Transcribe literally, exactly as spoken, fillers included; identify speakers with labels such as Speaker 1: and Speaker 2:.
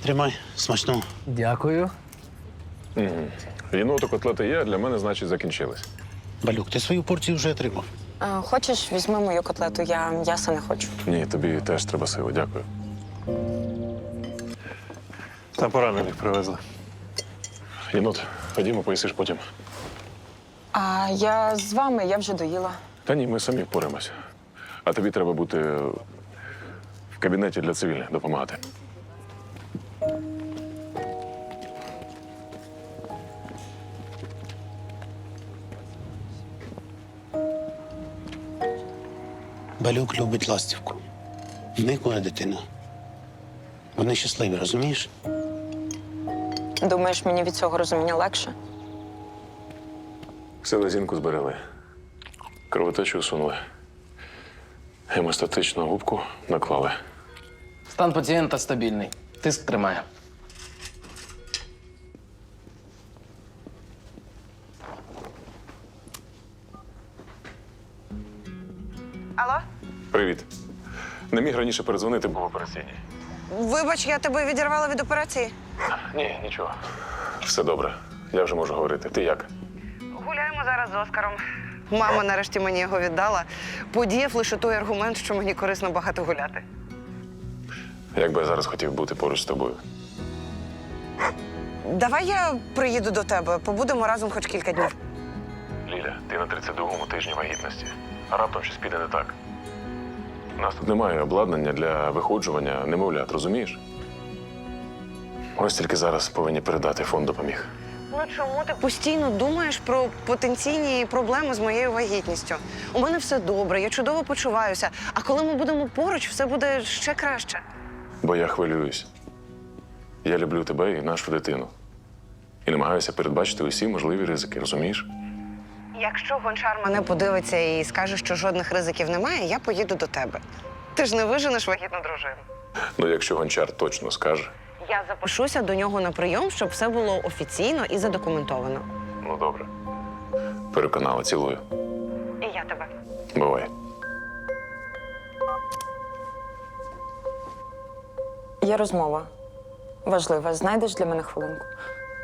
Speaker 1: Тримай, смачного.
Speaker 2: Дякую.
Speaker 3: Єноту котлети є, а для мене, значить, закінчились.
Speaker 1: Балюк, ти свою порцію вже отримав.
Speaker 4: А, хочеш, візьми мою котлету, я м'яса не хочу.
Speaker 3: Ні, тобі теж треба сили, дякую. Там поранених привезли. Єнот, ходімо, поїсиш потім.
Speaker 4: А я з вами, я вже доїла.
Speaker 3: Та ні, ми самі впораємося. А тобі треба бути в кабінеті для цивільних, допомагати.
Speaker 1: Балюк любить ластівку. В них буде дитина. Вони щасливі, розумієш?
Speaker 4: Думаєш, мені від цього розуміння легше?
Speaker 3: Селезінку зберегли. Кровотечу усунули. Гемостатичну губку наклали.
Speaker 2: Стан пацієнта стабільний. Тиск тримає.
Speaker 5: Алло?
Speaker 3: Привіт. Не міг раніше передзвонити, був в операційній.
Speaker 5: Вибач, я тебе відірвала від операції.
Speaker 3: Ні, нічого. Все добре. Я вже можу говорити. Ти як?
Speaker 5: Гуляємо зараз з Оскаром. Мама нарешті мені його віддала. Подіяв лише той аргумент, що мені корисно багато гуляти.
Speaker 3: Як би я зараз хотів бути поруч з тобою.
Speaker 5: Давай я приїду до тебе, побудемо разом хоч кілька днів.
Speaker 3: Ліля, ти на тридцять другому тижні вагітності. А раптом щось піде не так. У нас тут немає обладнання для виходжування немовлят, розумієш? Ось тільки зараз повинні передати, фонд допоміг.
Speaker 5: Ну чому ти постійно думаєш про потенційні проблеми з моєю вагітністю? У мене все добре, я чудово почуваюся. А коли ми будемо поруч, все буде ще краще.
Speaker 3: Бо я хвилююсь. Я люблю тебе і нашу дитину. І намагаюся передбачити усі можливі ризики, розумієш?
Speaker 5: Якщо гончар мене подивиться і скаже, що жодних ризиків немає, я поїду до тебе. Ти ж не виженеш вагітну дружину.
Speaker 3: Ну, якщо гончар точно скаже.
Speaker 5: Я запишуся до нього на прийом, щоб все було офіційно і задокументовано.
Speaker 3: Ну, добре. Переконала, цілую.
Speaker 5: І я тебе.
Speaker 3: Бувай.
Speaker 4: Є розмова. Важлива. Знайдеш для мене хвилинку?